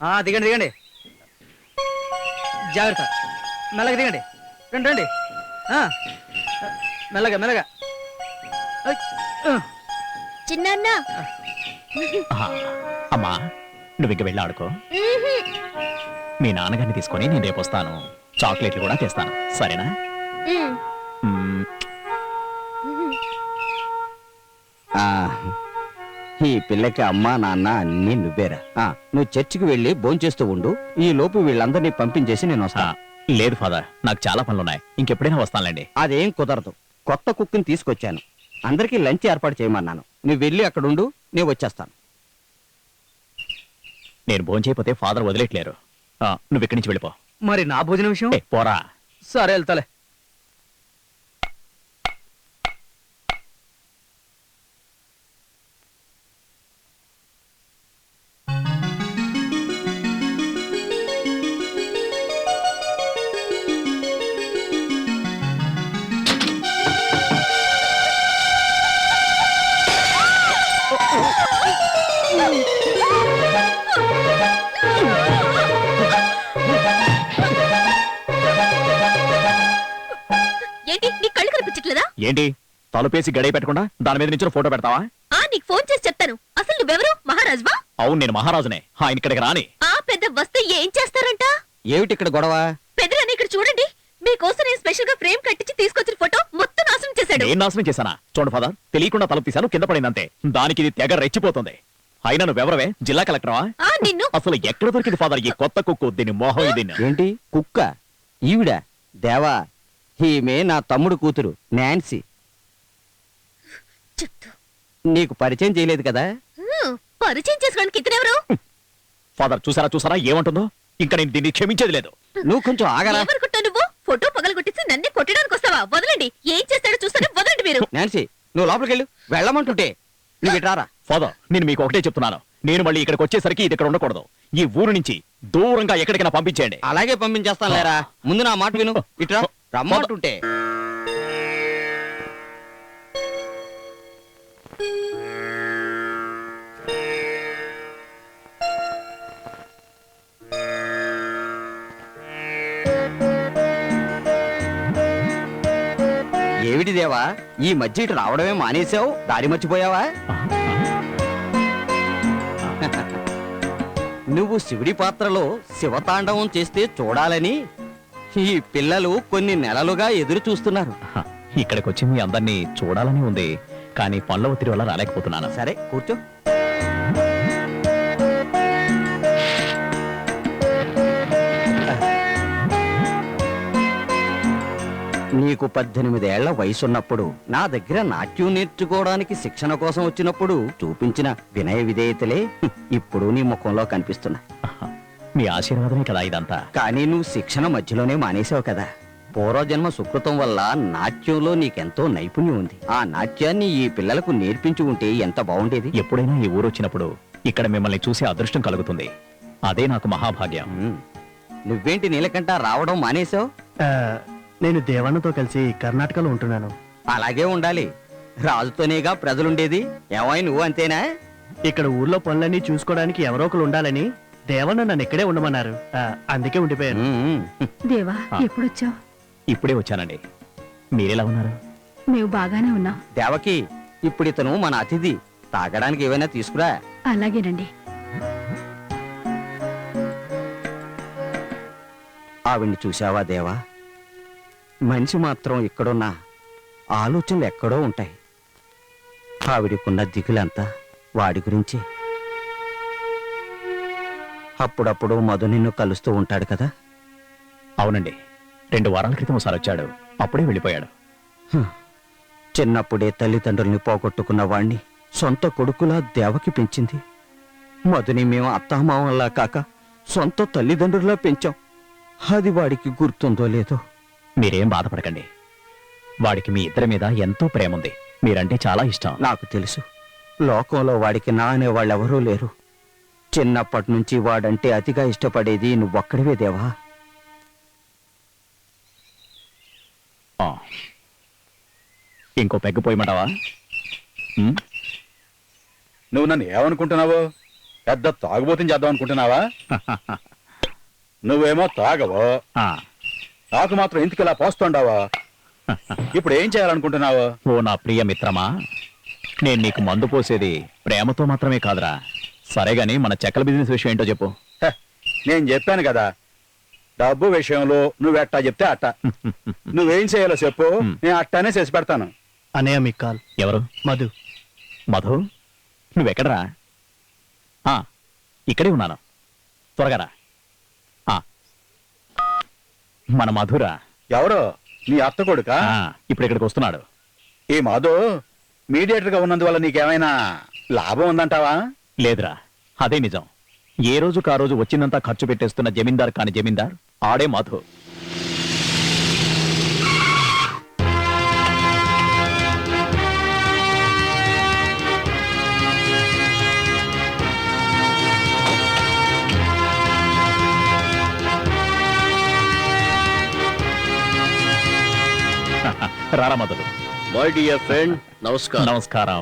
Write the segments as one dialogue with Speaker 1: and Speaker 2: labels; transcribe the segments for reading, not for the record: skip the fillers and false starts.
Speaker 1: దిగండి దిగండి, జాగ్రత్త, మెల్లగా దిగండి, రండి రండి, మెల్లగా మెల్లగా.
Speaker 2: చిన్న
Speaker 3: అమ్మా నువ్వు ఇంక వెళ్ళి ఆడుకో. మీ నాన్నగారిని తీసుకొని నేను రేపు వస్తాను, చాక్లెట్లు కూడా తెస్తాను, సరేనా?
Speaker 4: ఈ పిల్లకి అమ్మా నాన్న అన్నీ నువ్వేరా. నువ్వు చర్చికి వెళ్ళి భోంచేస్తూ ఉండు, ఈ లోపు వీళ్ళందరినీ పంపించేసి నేను వస్తా.
Speaker 3: లేదు ఫాదర్, నాకు చాలా పనులున్నాయి, ఇంకెప్పుడైనా వస్తానులేండి.
Speaker 4: అదేం కుదరదు, కొత్త కుక్ని తీసుకొచ్చాను, అందరికీ లంచ్ ఏర్పాటు చేయమన్నాను. నువ్వు వెళ్ళి అక్కడుండు, నేను వచ్చేస్తాను.
Speaker 3: నేను భోంచేయకపోతే ఫాదర్ వదిలేట్లేరు. నువ్వు ఇక్కడి నుంచి వెళ్ళిపో.
Speaker 1: మరి నా భోజనం విషయం?
Speaker 3: పోరా.
Speaker 1: సరే వెళ్తాలే.
Speaker 2: ఏంటి నీ కళ్ళు కనిపించట్లేదా?
Speaker 3: ఏంటి తలుపేసి గడియ పెట్టకుండా దాని మీద నుంచి ఫోటో పెడతావా?
Speaker 2: నీకు ఫోన్ చేసి చెప్తాను. అసలు నువ్వెవరు? మహారాజువా?
Speaker 3: అవును, నేను మహారాజునే. ఆయన ఇక్కడికి రాని.
Speaker 2: పెద్ద వస్తే ఏం చేస్తారంట?
Speaker 4: ఏమిటి ఇక్కడ గొడవ?
Speaker 2: పెద్దలని ఇక్కడ చూడండి, మీకోసం నేను స్పెషల్ గా ఫ్రేమ్ కట్టించి తీసుకొచ్చిన ఫోటో మొత్తం నాశనం చేశాడు.
Speaker 3: నేను నాశనం చేశానా? చూడండి ఫాదర్, తెలియకుండా తలుపు తీశాను, కింద పడిందంతే. దానికి ఇది తెగ రెచ్చిపోతుంది. అయినా నువ్వెవరవే? జిల్లా కలెక్టరా?
Speaker 2: నిన్ను
Speaker 3: అసలు ఎక్కడ దొరికింది ఫాదర్ ఈ కొత్త కుక్కు? దీని మోహం ఇది.
Speaker 4: ఏంటి కుక్క? ఈవిడ దేవా, ఈమె నా తమ్ముడు కూతురు నాన్సీ. నీకు పరిచయం చేయలేదు కదా?
Speaker 2: పరిచయం చేసుకోవడానికి ఇతనెవరు?
Speaker 3: ఫాదర్ చూసారా చూసారా ఏమంటుందో? ఇంకా నేను దీన్ని క్షమించేది లేదు.
Speaker 4: నువ్వు కొంచెం ఆగరా.
Speaker 2: నువ్వు ఫోటో పగలగొట్టేసి నన్నే కొట్టడానికి వస్తావా? వదలండి, ఏం చేస్తాడో చూస్తానే, వదలండి మీరు.
Speaker 4: నాన్సీ, నువ్వు లోపలికి వెళ్ళు, వెళ్ళమంటుంటే నువ్వు ఇట్రారా.
Speaker 3: ఫాదర్, నేను మీకు ఒకటే చెప్తున్నాను, నేను మళ్ళీ ఇక్కడికి వచ్చేసరికి ఇది ఇక్కడ ఉండకూడదు. ఈ ఊరు నుంచి దూరంగా ఎక్కడికైనా పంపించేయండి.
Speaker 4: అలాగే పంపించేస్తాను లేరా. ముందు నా మాట విను, ఇట్రా రమ్మంటుంటే. ఏమిటి దేవా, ఈ మధ్య ఇటు రావడమే మానేశావు? దారి మర్చిపోయావా? నువ్వు శివుడి పాత్రలో శివతాండవం చేస్తే చూడాలని ఈ పిల్లలు కొన్ని నెలలుగా ఎదురు చూస్తున్నారు.
Speaker 3: ఇక్కడికి వచ్చి మీ అందరినీ చూడాలని ఉంది, కానీ పనుల ఒత్తిడి వల్ల రాలేకపోతున్నాను.
Speaker 4: సరే కూర్చో. నీకు 18 ఏళ్ల వయసున్నప్పుడు నా దగ్గర నాట్యం నేర్చుకోవడానికి శిక్షణ కోసం వచ్చినప్పుడు చూపించిన వినయ విధేయతలే ఇప్పుడు నీ ముఖంలో కనిపిస్తున్నాయి.
Speaker 3: మీ ఆశీర్వాదమే కదా ఇదంతా.
Speaker 4: కానీ నువ్వు శిక్షణ మధ్యలోనే మానేశావు కదా. పూర్వజన్మ సుకృతం వల్ల నాట్యంలో నీకెంతో నైపుణ్యం ఉంది. ఆ నాట్యాన్ని ఈ పిల్లలకు నేర్పించి ఉంటే ఎంత బాగుండేది.
Speaker 3: ఎప్పుడైనా ఈ ఊరు వచ్చినప్పుడు ఇక్కడ మిమ్మల్ని చూసే అదృష్టం కలుగుతుంది. అదే నాకు మహాభాగ్యం.
Speaker 4: నువ్వేంటి నీలకంట రావడం మానేశావు?
Speaker 1: నేను దేవన్నతో కలిసి కర్ణాటకలో ఉంటున్నాను.
Speaker 4: అలాగే ఉండాలి, రాజుతోనేగా ప్రజలుండేది. ఏమై నువ్వు అంతేనా?
Speaker 1: ఇక్కడ ఊర్లో పనులన్నీ చూసుకోవడానికి ఎవరో ఒకరు ఉండాలని దేవన్న నన్ను ఇక్కడే ఉండమన్నారు, అందుకే ఉండిపోయాను.
Speaker 5: దేవా, ఎప్పుడొచ్చావు?
Speaker 3: ఇప్పుడే వచ్చానండి. మీరెలా ఉన్నారు?
Speaker 5: మేము బాగానే ఉన్నాం.
Speaker 4: దేవకి, ఇప్పుడు ఇతను మన అతిథి, తాగడానికి ఏమైనా తీసుకురా.
Speaker 5: అలాగేనండి.
Speaker 4: ఆవిడ్ని చూశావా దేవా? మనిషి మాత్రం ఇక్కడున్నా ఆలోచనలు ఎక్కడో ఉంటాయి. ఆవిడికున్న దిగులంతా వాడి గురించి. అప్పుడప్పుడు మధు నిన్ను కలుస్తూ ఉంటాడు కదా?
Speaker 3: అవునండి, 2 వారాల క్రితం ఒకసారి వచ్చాడు, అప్పుడే వెళ్ళిపోయాడు.
Speaker 4: చిన్నప్పుడే తల్లిదండ్రుల్ని పోగొట్టుకున్న వాణ్ణి సొంత కొడుకులా దేవకి పెంచింది. మధుని మేము అత్తామామల్లా కాక సొంత తల్లిదండ్రులా పెంచాం. అది వాడికి గుర్తుందో లేదో.
Speaker 3: మీరేం బాధపడకండి, వాడికి మీ ఇద్దరి మీద ఎంతో ప్రేమ ఉంది. మీరంటే చాలా ఇష్టం.
Speaker 4: నాకు తెలుసు, లోకంలో వాడికి నా అనేవాళ్ళెవరూ లేరు. చిన్నప్పటి నుంచి వాడంటే అతిగా ఇష్టపడేది నువ్వొక్కడివే దేవా.
Speaker 3: ఇంకో పెగ్గు పోయమంటావా?
Speaker 6: నువ్వు నన్ను ఏమనుకుంటున్నావు? పెద్ద తాగుబోతుని చేద్దాం అనుకుంటున్నావా? నువ్వేమో తాగవు,
Speaker 3: ఆ,
Speaker 6: నాకు మాత్రం ఇంటికి ఇలా పోస్తుండావా? ఇప్పుడు ఏం చేయాలనుకుంటున్నావు?
Speaker 3: ఓ నా ప్రియ మిత్రమా, నేను నీకు మందు పోసేది ప్రేమతో మాత్రమే కాదురా. సరే గాని మన చెక్కల బిజినెస్ విషయం ఏంటో చెప్పు.
Speaker 6: హ, నేను చెప్పాను కదా, డబ్బు విషయంలో నువ్వెట్టా చెప్తే అట్ట. నువ్వేం చేయాలో చెప్పు, నేను అట్టానే చేసి పెడతాను.
Speaker 1: అన్నయ్య మీకు కాల్.
Speaker 3: ఎవరు?
Speaker 1: మధు.
Speaker 3: మధు, నువ్వెక్కడరా? ఆ, ఇక్కడే ఉన్నాను, త్వరగా రా. ఆ, మన మధురా.
Speaker 6: ఎవరు? నీ అత్త కొడుకా?
Speaker 3: ఆ, ఇప్పుడు ఇక్కడికి వస్తున్నాడు.
Speaker 6: ఈ మధు మీడియేటర్ గా ఉన్నందువల్ల నీకేమైనా లాభం ఉందంటావా?
Speaker 3: లేదురా, అదే నిజం. ఏ రోజుకు ఆ రోజు వచ్చిందంతా ఖర్చు పెట్టేస్తున్న జమీందార్ కాని జమీందార్ ఆడే మధు. రారా మధులు.
Speaker 7: మై డియర్ ఫ్రెండ్, నమస్కారం.
Speaker 3: నమస్కారం.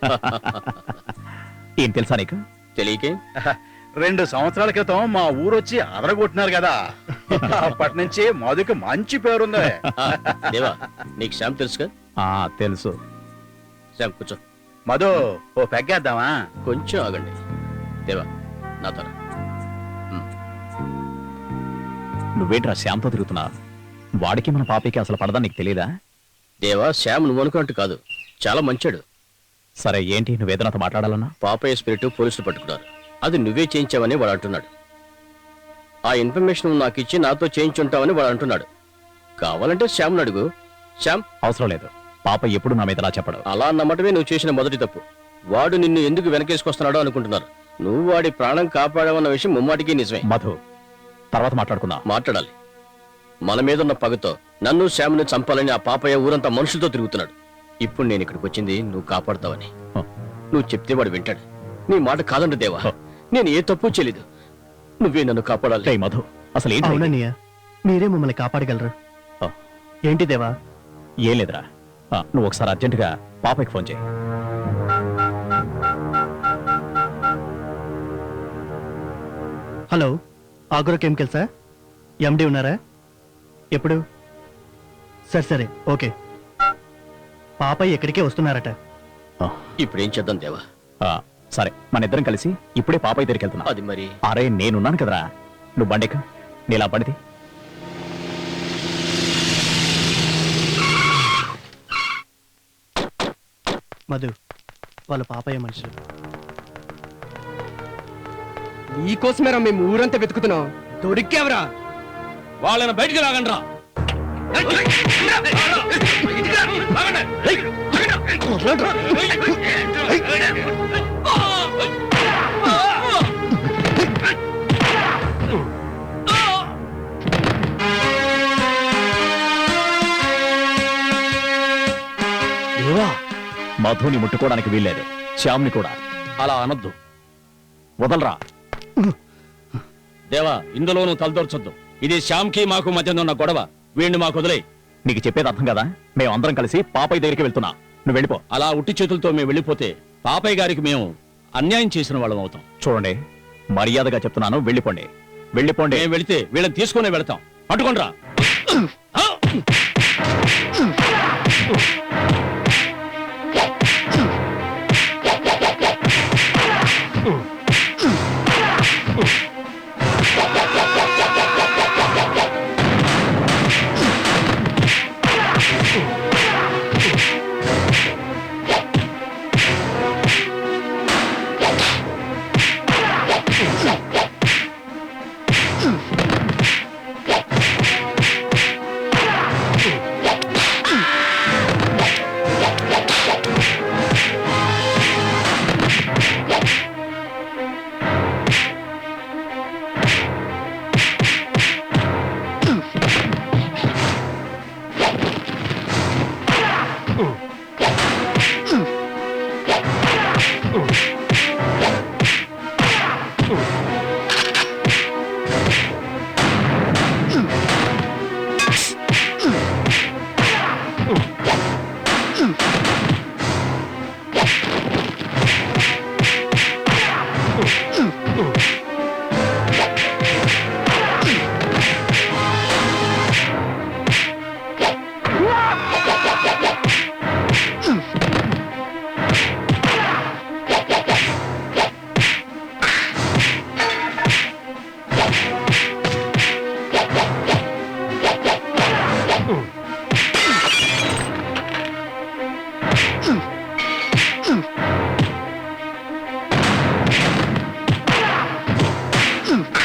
Speaker 3: ఏం తెలుసా నీకు?
Speaker 7: తెలియకే
Speaker 6: 2 సంవత్సరాల క్రితం మా ఊరొచ్చి అదరగొట్టినారు కదా, అప్పటి నుంచి మధుకి మంచి పేరుంది.
Speaker 7: దేవా, నీకు శ్యామ్ తెలుసుగా?
Speaker 3: ఆ, తెలుసు.
Speaker 7: శ్యామ్ కూర్చో.
Speaker 6: మధు, ఓ పెగ్గేద్దామా?
Speaker 7: కొంచెం ఆగండి. దేవా, నా తర.
Speaker 3: నువ్వేంట్రా శ్యామ్తో తిరుగుతున్నా? వాడికి మన పాపకి అసలు పడదా నీకు తెలియదా?
Speaker 7: దేవా, శ్యామ్ నువ్వు అనుకున్నట్టు కాదు, చాలా మంచాడు.
Speaker 3: సరే ఏంటి, నువ్వేదనాతో మాట్లాడాలన్నా?
Speaker 7: పాపయ్య స్పిరిట్ పోలీసులు పట్టుకున్నారు. అది నువ్వే చేయించావని వాడు అంటున్నాడు. ఆ ఇన్ఫర్మేషన్ నువ్వు నాకు ఇచ్చి నాతో చేయించుంటావని వాడు అంటున్నాడు. కావాలంటే శ్యామ్ను అడుగు. శ్యామ్,
Speaker 3: అవసరం లేదు. పాప ఎప్పుడు నా మీద అలా చెప్పడు.
Speaker 7: అలా అన్నమాటమే నువ్వు చేసిన మొదటి తప్పు. వాడు నిన్ను ఎందుకు వెనకేసుకొస్తున్నాడో అనుకుంటున్నారు. నువ్వు వాడి ప్రాణం కాపాడావన్న విషయం ముమ్మాటికి నిజమే.
Speaker 3: మధు, తర్వాత మాట్లాడుకుందాం.
Speaker 7: మాట్లాడాలి. మన మీదున్న పగతో నన్ను శ్యామ్ని చంపాలని ఆ పాపయ్య ఊరంతా మనుషులతో తిరుగుతున్నాడు. ఇప్పుడు నేను ఇక్కడికి వచ్చింది నువ్వు కాపాడుతావని. నువ్వు చెప్తే వాడు వింటాడు. నీ మాట కాదండి దేవా, నేను ఏ తప్పు చేయలేదు. నువ్వే నన్ను కాపాడాలి.
Speaker 3: రేయ్ మధు, అసలు ఏంటి?
Speaker 1: అవునన్నయ్య, మీరే మమ్మల్ని కాపాడగలరు.
Speaker 3: ఆ,
Speaker 1: ఏంటి దేవా?
Speaker 3: ఏం లేదురా. ఆ, నువ్వు ఒకసారి అర్జెంటుగా పాపకి ఫోన్ చేయి.
Speaker 1: Hello, agro కెమికల్సా? ఎండి ఉన్నారా? ఎప్పుడు? సరే సరే, ఓకే. పాపయ్య ఎక్కడికే వస్తున్నారట.
Speaker 3: ఆ,
Speaker 7: ఇప్పుడు ఏం చేద్దాం దేవా?
Speaker 3: ఆ, సరే, మన ఇద్దరం కలిసి ఇప్పుడే పాపయ్య దగ్గరికి వెళ్తున్నా.
Speaker 7: అది మరి
Speaker 3: అరే నేనున్నాను కదరా, నువ్వు బండెక్క, నీలా బండిది.
Speaker 1: మధు, వాళ్ళ పాపయ్య మనుషులు.
Speaker 8: నీకోసమేరా మేము ఊరంతా వెతుకుతున్నాం. దొరికావరా?
Speaker 7: వాళ్ళని బయటికి లాగండి రా.
Speaker 3: మధుని ముట్టుకోవడానికి వీల్లేదు, శ్యామ్ని కూడా.
Speaker 7: అలా అనొద్దు
Speaker 3: వదలరా.
Speaker 7: దేవా, ఇందులోనూ తలదొరచొద్దు. ఇది శ్యామ్కి మాకు మధ్య ఉన్న గొడవ. వీడిని మాకు వదిలే.
Speaker 3: నీకు చెప్పేది అర్థం కదా? మేము అందరం కలిసి పాపయ్య దగ్గరికి వెళ్తున్నా, నువ్వు వెళ్ళిపో.
Speaker 7: అలా ఉట్టి చేతులతో మేము వెళ్ళిపోతే పాపయ్య గారికి మేము అన్యాయం చేసిన వాళ్ళం అవుతాం.
Speaker 3: చూడండి, మర్యాదగా చెప్తున్నాను, వెళ్ళిపోండి, వెళ్ళిపోండి.
Speaker 7: మేము వెళితే వీళ్ళని తీసుకునే వెళతాం. పట్టుకోండి రా.
Speaker 3: ఆ.